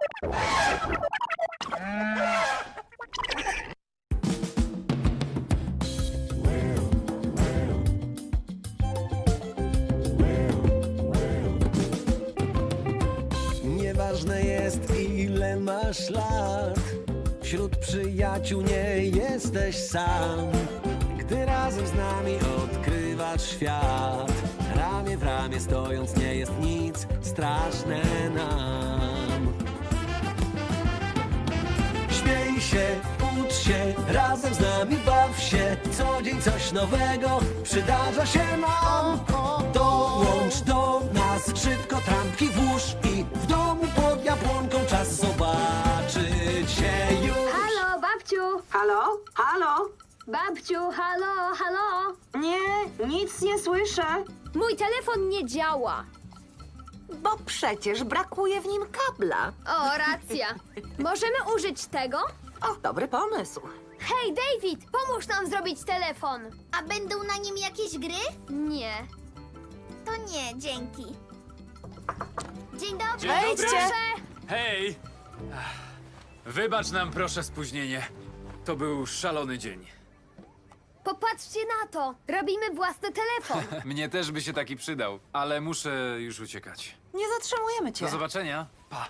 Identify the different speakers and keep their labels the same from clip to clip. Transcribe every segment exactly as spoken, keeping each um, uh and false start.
Speaker 1: Nieważne jest, ile masz lat, wśród przyjaciół nie jesteś sam. Gdy razem z nami odkrywasz świat, ramię w ramię stojąc nie jest nic straszne nam. Śmiej się, ucz się, razem z nami baw się, co dzień coś nowego przydarza się nam. Dołącz do nas, szybko trampki włóż i w domu pod jabłonką czas zobaczyć się już.
Speaker 2: Halo, babciu!
Speaker 3: Halo? Halo?
Speaker 2: Babciu, halo, halo!
Speaker 3: Nie, nic nie słyszę.
Speaker 2: Mój telefon nie działa.
Speaker 4: Bo przecież brakuje w nim kabla.
Speaker 2: O, racja. Możemy użyć tego?
Speaker 4: O, dobry pomysł.
Speaker 2: Hej, David, pomóż nam zrobić telefon.
Speaker 5: A będą na nim jakieś gry?
Speaker 2: Nie.
Speaker 5: To nie, dzięki. Dzień dobry.
Speaker 6: Dzień
Speaker 4: Wejdźcie.
Speaker 6: dobry.
Speaker 2: Proszę.
Speaker 6: Hej! Ach, wybacz nam proszę spóźnienie. To był szalony dzień.
Speaker 2: Popatrzcie na to. Robimy własny telefon.
Speaker 6: Mnie też by się taki przydał, ale muszę już uciekać.
Speaker 4: Nie zatrzymujemy cię.
Speaker 6: Do zobaczenia. Pa.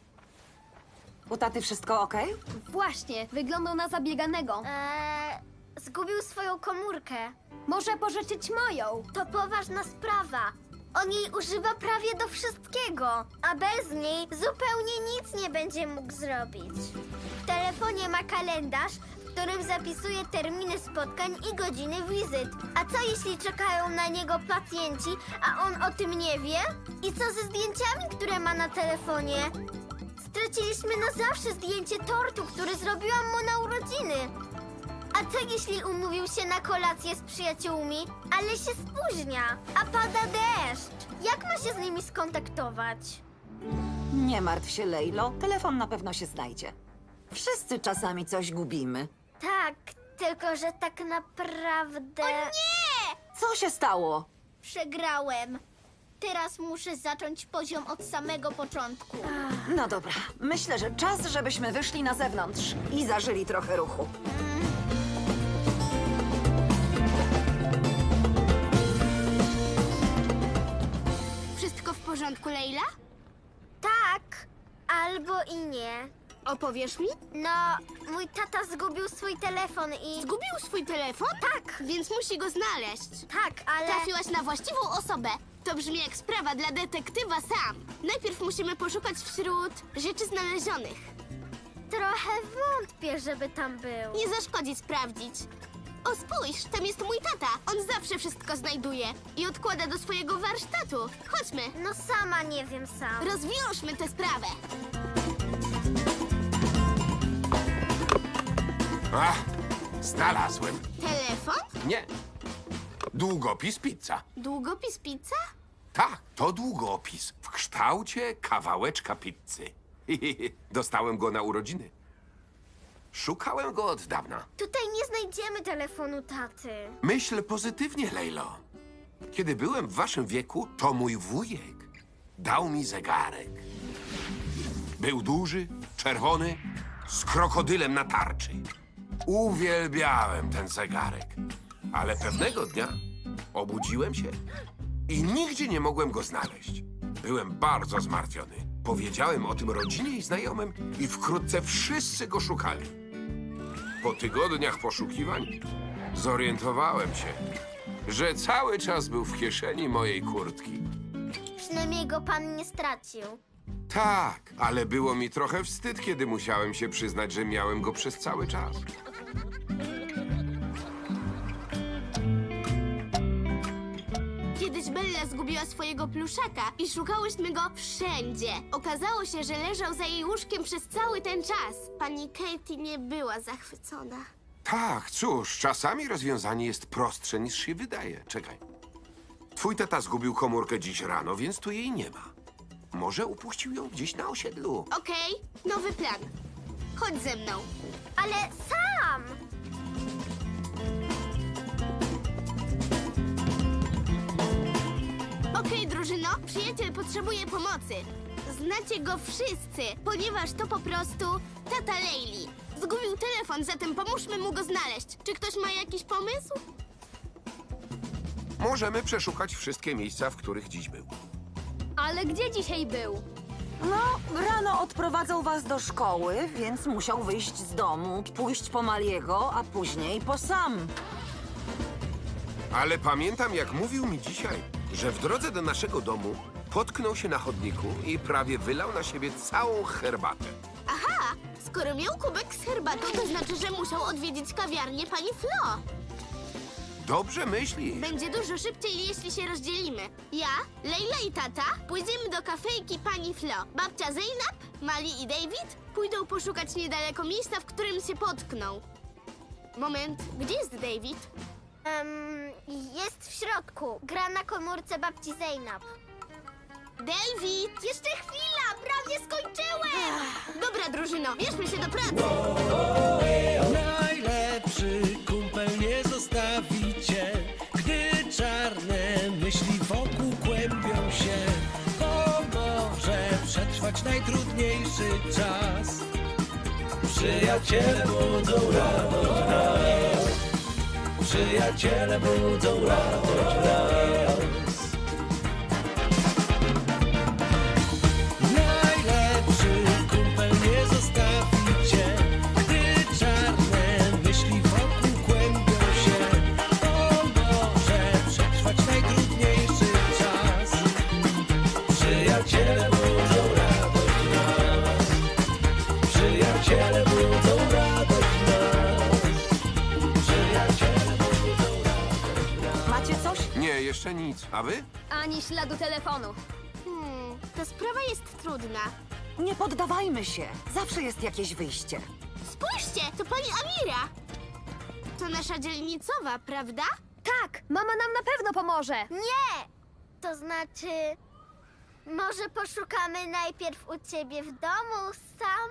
Speaker 4: U taty wszystko okej?
Speaker 2: Właśnie, wyglądał na zabieganego.
Speaker 5: Eee, zgubił swoją komórkę.
Speaker 2: Może pożyczyć moją.
Speaker 5: To poważna sprawa. On jej używa prawie do wszystkiego, a bez niej zupełnie nic nie będzie mógł zrobić. W telefonie ma kalendarz, w którym zapisuje terminy spotkań i godziny wizyt. A co jeśli czekają na niego pacjenci, a on o tym nie wie? I co ze zdjęciami, które ma na telefonie? Straciliśmy na zawsze zdjęcie tortu, który zrobiłam mu na urodziny. A co jeśli umówił się na kolację z przyjaciółmi, ale się spóźnia, a pada deszcz? Jak ma się z nimi skontaktować?
Speaker 4: Nie martw się, Lejlo. Telefon na pewno się znajdzie. Wszyscy czasami coś gubimy.
Speaker 5: Tak, tylko że tak naprawdę... O nie!
Speaker 4: Co się stało?
Speaker 5: Przegrałem. Teraz muszę zacząć poziom od samego początku.
Speaker 4: No dobra, myślę, że czas, żebyśmy wyszli na zewnątrz i zażyli trochę ruchu.
Speaker 5: Wszystko w porządku, Leila? Tak, albo i nie.
Speaker 7: Opowiesz mi?
Speaker 5: No, mój tata zgubił swój telefon i...
Speaker 7: Zgubił swój telefon?
Speaker 5: Tak,
Speaker 7: Więc musi go znaleźć.
Speaker 5: tak, ale...
Speaker 7: Trafiłaś na właściwą osobę. To brzmi jak sprawa dla detektywa Sam. Najpierw musimy poszukać wśród rzeczy znalezionych.
Speaker 5: Trochę wątpię, żeby tam był.
Speaker 7: Nie zaszkodzi sprawdzić. O, spójrz, tam jest mój tata. On zawsze wszystko znajduje i odkłada do swojego warsztatu. Chodźmy,
Speaker 5: No sama nie wiem sam.
Speaker 7: rozwiążmy tę sprawę.
Speaker 8: Ach, znalazłem.
Speaker 7: Telefon?
Speaker 8: Nie. Długopis pizza.
Speaker 7: Długopis pizza?
Speaker 8: Tak, to długopis w kształcie kawałeczka pizzy. Dostałem go na urodziny. Szukałem go od dawna.
Speaker 5: Tutaj nie znajdziemy telefonu taty.
Speaker 8: Myśl pozytywnie, Lejlo. Kiedy byłem w waszym wieku, to mój wujek dał mi zegarek. Był duży, czerwony, z krokodylem na tarczy. Uwielbiałem ten zegarek. Ale pewnego dnia obudziłem się i nigdzie nie mogłem go znaleźć. Byłem bardzo zmartwiony. Powiedziałem o tym rodzinie i znajomym i wkrótce wszyscy go szukali. Po tygodniach poszukiwań zorientowałem się, że cały czas był w kieszeni mojej kurtki.
Speaker 5: Przynajmniej go pan nie stracił.
Speaker 8: Tak, ale było mi trochę wstyd, kiedy musiałem się przyznać, że miałem go przez cały czas.
Speaker 7: Kiedyś Bella zgubiła swojego pluszaka i szukałyśmy go wszędzie. Okazało się, że leżał za jej łóżkiem przez cały ten czas. Pani Katie nie była zachwycona.
Speaker 8: Tak, cóż, czasami rozwiązanie jest prostsze niż się wydaje. Czekaj. Twój tata zgubił komórkę dziś rano, więc tu jej nie ma. Może upuścił ją gdzieś na osiedlu.
Speaker 7: Okej, nowy plan. Chodź ze mną.
Speaker 5: Ale sam!
Speaker 7: Okej, drużyno, przyjaciel potrzebuje pomocy. Znacie go wszyscy, ponieważ to po prostu tata Leili. Zgubił telefon, zatem pomóżmy mu go znaleźć. Czy ktoś ma jakiś pomysł?
Speaker 8: Możemy przeszukać wszystkie miejsca, w których dziś był.
Speaker 2: Ale gdzie dzisiaj był?
Speaker 4: No, rano odprowadzał was do szkoły, więc musiał wyjść z domu, pójść po Maliego, a później po Sam.
Speaker 8: Ale pamiętam, jak mówił mi dzisiaj, że w drodze do naszego domu potknął się na chodniku i prawie wylał na siebie całą herbatę.
Speaker 7: Aha, skoro miał kubek z herbatą, to znaczy, że musiał odwiedzić kawiarnię pani Flo.
Speaker 8: Dobrze myśli.
Speaker 7: Będzie dużo szybciej, jeśli się rozdzielimy. Ja, Leila i tata pójdziemy do kafejki pani Flo. Babcia Zeynab, Mali i David pójdą poszukać niedaleko miejsca, w którym się potknął. Moment, gdzie jest David?
Speaker 5: Em, jest w środku. Gra na komórce babci Zeynab.
Speaker 7: David!
Speaker 5: Jeszcze chwila, prawie skończyłem!
Speaker 7: Dobra, drużyno, bierzmy się do pracy!
Speaker 1: Najlepszy kumpel nie zostawi cię, gdy czarne myśli wokół kłębią się. Pomoże przetrwać najtrudniejszy czas. Przyjaciele budzą radość w nas. Przyjaciele budzą radość w nas. Najlepszy kumpel nie zostawi cię, gdy czarne myśli wokół kłębią się. Pomoże przetrwać najtrudniejszy czas. Przyjaciele budzą radość w nas. Przyjaciele budzą radość w nas. Przyjaciele budzą radość w nas.
Speaker 4: Macie coś?
Speaker 8: Nie, jeszcze nic. A wy?
Speaker 2: Ani śladu telefonu.
Speaker 7: Hmm, ta sprawa jest trudna.
Speaker 4: Nie poddawajmy się. Zawsze jest jakieś wyjście.
Speaker 7: Spójrzcie, to pani Amira! To nasza dzielnicowa, prawda?
Speaker 2: Tak, mama nam na pewno pomoże.
Speaker 5: Nie! To znaczy... Może poszukamy najpierw u ciebie w domu, Sam?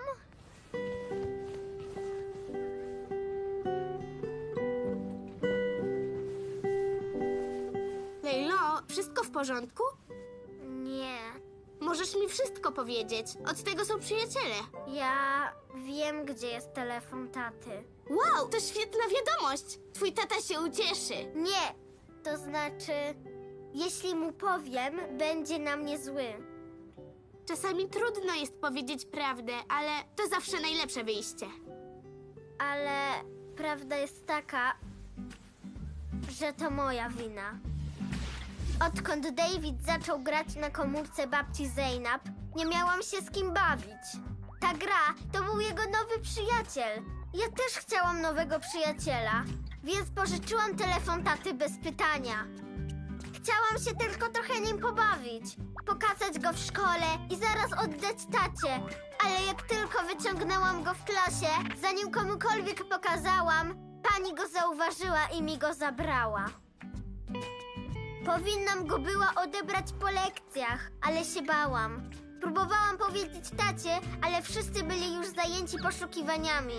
Speaker 7: Lejlo, wszystko w porządku?
Speaker 5: Nie.
Speaker 7: Możesz mi wszystko powiedzieć. Od tego są przyjaciele.
Speaker 5: Ja wiem, gdzie jest telefon taty.
Speaker 7: Wow, to świetna wiadomość! Twój tata się ucieszy.
Speaker 5: Nie! To znaczy... Jeśli mu powiem, będzie na mnie zły.
Speaker 7: Czasami trudno jest powiedzieć prawdę, ale to zawsze najlepsze wyjście.
Speaker 5: Ale prawda jest taka, że to moja wina. Odkąd David zaczął grać na komórce babci Zeynab, nie miałam się z kim bawić. Ta gra to był jego nowy przyjaciel. Ja też chciałam nowego przyjaciela, więc pożyczyłam telefon taty bez pytania. Chciałam się tylko trochę nim pobawić, pokazać go w szkole i zaraz oddać tacie. Ale jak tylko wyciągnęłam go w klasie, zanim komukolwiek pokazałam, pani go zauważyła i mi go zabrała. Powinnam go była odebrać po lekcjach, ale się bałam. Próbowałam powiedzieć tacie, ale wszyscy byli już zajęci poszukiwaniami.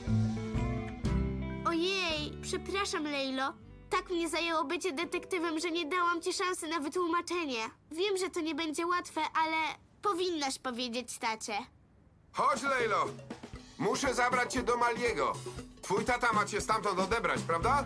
Speaker 7: Ojej, przepraszam, Lejlo. Tak mnie zajęło bycie detektywem, że nie dałam ci szansy na wytłumaczenie. Wiem, że to nie będzie łatwe, ale powinnaś powiedzieć tacie.
Speaker 8: Chodź, Lejlo. Muszę zabrać cię do Maliego. Twój tata ma cię stamtąd odebrać, prawda?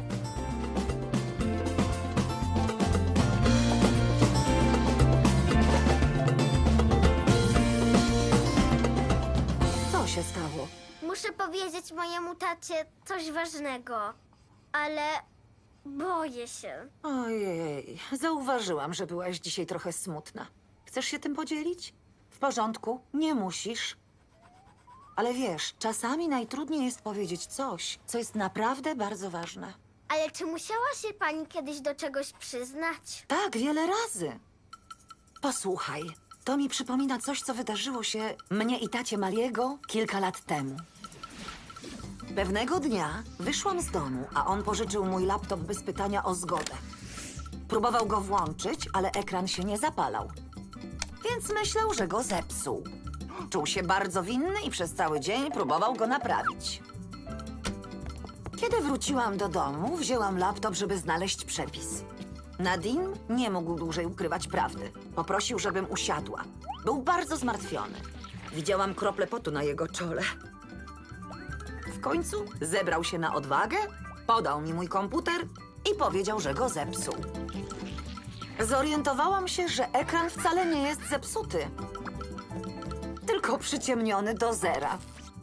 Speaker 4: Co się stało?
Speaker 5: Muszę powiedzieć mojemu tacie coś ważnego, ale boję się.
Speaker 4: Ojej, zauważyłam, że byłaś dzisiaj trochę smutna. Chcesz się tym podzielić? W porządku, nie musisz. Ale wiesz, czasami najtrudniej jest powiedzieć coś, co jest naprawdę bardzo ważne.
Speaker 5: Ale czy musiała się pani kiedyś do czegoś przyznać?
Speaker 4: Tak, wiele razy. Posłuchaj, to mi przypomina coś, co wydarzyło się mnie i tacie Maliego kilka lat temu. Pewnego dnia wyszłam z domu, a on pożyczył mój laptop bez pytania o zgodę. Próbował go włączyć, ale ekran się nie zapalał. Więc myślał, że go zepsuł. Czuł się bardzo winny i przez cały dzień próbował go naprawić. Kiedy wróciłam do domu, wzięłam laptop, żeby znaleźć przepis. Nadim nie mógł dłużej ukrywać prawdy. Poprosił, żebym usiadła. Był bardzo zmartwiony. Widziałam krople potu na jego czole. W końcu zebrał się na odwagę, podał mi mój komputer i powiedział, że go zepsuł. Zorientowałam się, że ekran wcale nie jest zepsuty, tylko przyciemniony do zera.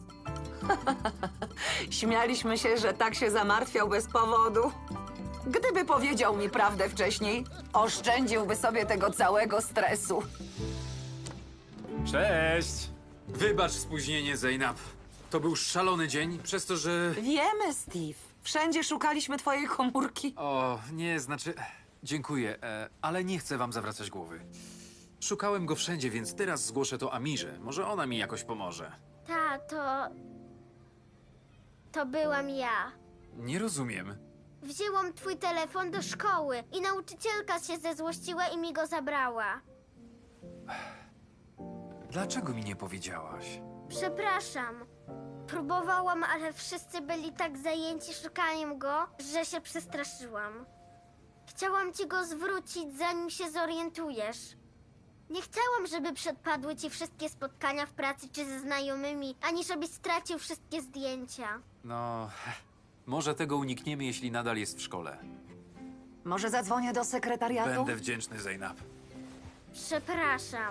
Speaker 4: Śmialiśmy się, że tak się zamartwiał bez powodu. Gdyby powiedział mi prawdę wcześniej, oszczędziłby sobie tego całego stresu.
Speaker 6: Cześć! Wybacz spóźnienie, Zeynep. To był szalony dzień, przez to, że...
Speaker 4: Wiemy, Steve. Wszędzie szukaliśmy twojej komórki.
Speaker 6: O, nie, znaczy... Dziękuję, e, ale nie chcę wam zawracać głowy. Szukałem go wszędzie, więc teraz zgłoszę to Amirze. Może ona mi jakoś pomoże.
Speaker 5: Tato, to byłam ja.
Speaker 6: Nie rozumiem.
Speaker 5: Wzięłam twój telefon do szkoły i nauczycielka się zezłościła i mi go zabrała.
Speaker 6: Dlaczego mi nie powiedziałaś?
Speaker 5: Przepraszam. Próbowałam, ale wszyscy byli tak zajęci szukaniem go, że się przestraszyłam. Chciałam ci go zwrócić, zanim się zorientujesz. Nie chciałam, żeby przepadły ci wszystkie spotkania w pracy czy ze znajomymi, ani żebyś stracił wszystkie zdjęcia.
Speaker 6: No, może tego unikniemy, jeśli nadal jest w szkole.
Speaker 4: Może zadzwonię do sekretariatu?
Speaker 6: Będę wdzięczny, Zeynep.
Speaker 5: Przepraszam.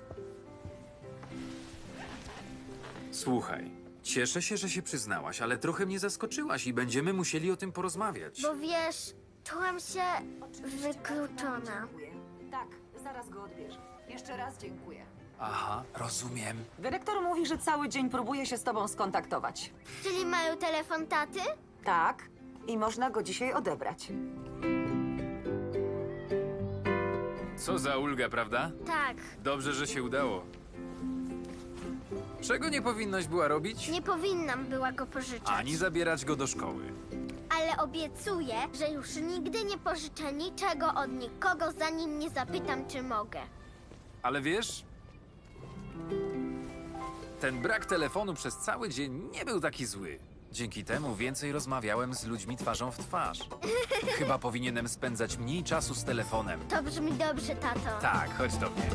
Speaker 6: Słuchaj, cieszę się, że się przyznałaś, ale trochę mnie zaskoczyłaś i będziemy musieli o tym porozmawiać.
Speaker 5: Bo wiesz, czułam się wykluczona.
Speaker 4: Dziękuję. Tak, zaraz go odbierze. Jeszcze raz dziękuję.
Speaker 6: Aha, rozumiem.
Speaker 4: Dyrektor mówi, że cały dzień próbuje się z tobą skontaktować.
Speaker 5: Czyli mają telefon taty?
Speaker 4: Tak, i można go dzisiaj odebrać.
Speaker 6: Co za ulga, prawda?
Speaker 5: Tak.
Speaker 6: Dobrze, że się udało. Czego nie powinnaś była robić?
Speaker 5: Nie powinnam była go pożyczać.
Speaker 6: Ani zabierać go do szkoły.
Speaker 5: Ale obiecuję, że już nigdy nie pożyczę niczego od nikogo, zanim nie zapytam, czy mogę.
Speaker 6: Ale wiesz, ten brak telefonu przez cały dzień nie był taki zły. Dzięki temu więcej rozmawiałem z ludźmi twarzą w twarz. Chyba powinienem spędzać mniej czasu z telefonem.
Speaker 5: To brzmi dobrze, tato.
Speaker 6: Tak, chodź do mnie.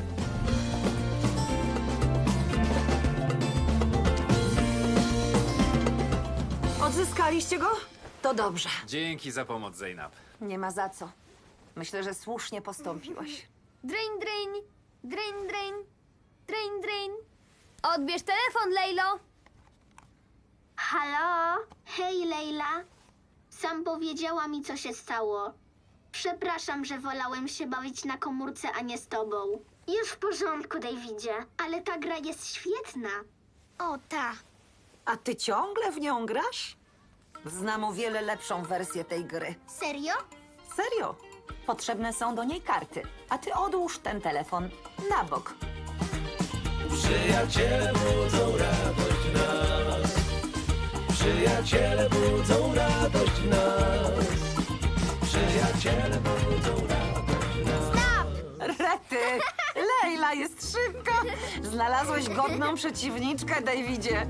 Speaker 4: Odzyskaliście go? To dobrze.
Speaker 6: Dzięki za pomoc, Zeynep.
Speaker 4: Nie ma za co. Myślę, że słusznie postąpiłaś.
Speaker 2: Drain, drain, drain, drain, drain, drain. Odbierz telefon, Lejlo.
Speaker 7: Halo? Hej, Leila. Sam powiedziała mi, co się stało. Przepraszam, że wolałem się bawić na komórce, a nie z tobą.
Speaker 5: Już w porządku, Davidzie.
Speaker 7: Ale ta gra jest świetna.
Speaker 5: O, ta.
Speaker 4: A ty ciągle w nią grasz? Znam o wiele lepszą wersję tej gry.
Speaker 5: Serio?
Speaker 4: Serio? Potrzebne są do niej karty. A ty odłóż ten telefon na bok.
Speaker 1: Przyjaciele budzą radość w nas. Przyjaciele budzą radość w nas. Przyjaciele budzą radość w nas.
Speaker 4: Rety! Lejla jest szybka! Znalazłeś godną przeciwniczkę, Davidzie.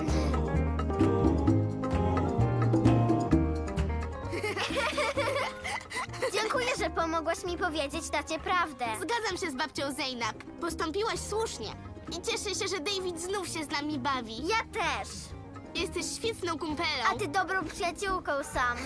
Speaker 5: Dziękuję, że pomogłaś mi powiedzieć tacie prawdę.
Speaker 7: Zgadzam się z babcią Zeynep. Postąpiłaś słusznie. I cieszę się, że David znów się z nami bawi.
Speaker 5: Ja też.
Speaker 7: Jesteś świetną kumpelą.
Speaker 5: A ty dobrą przyjaciółką sam.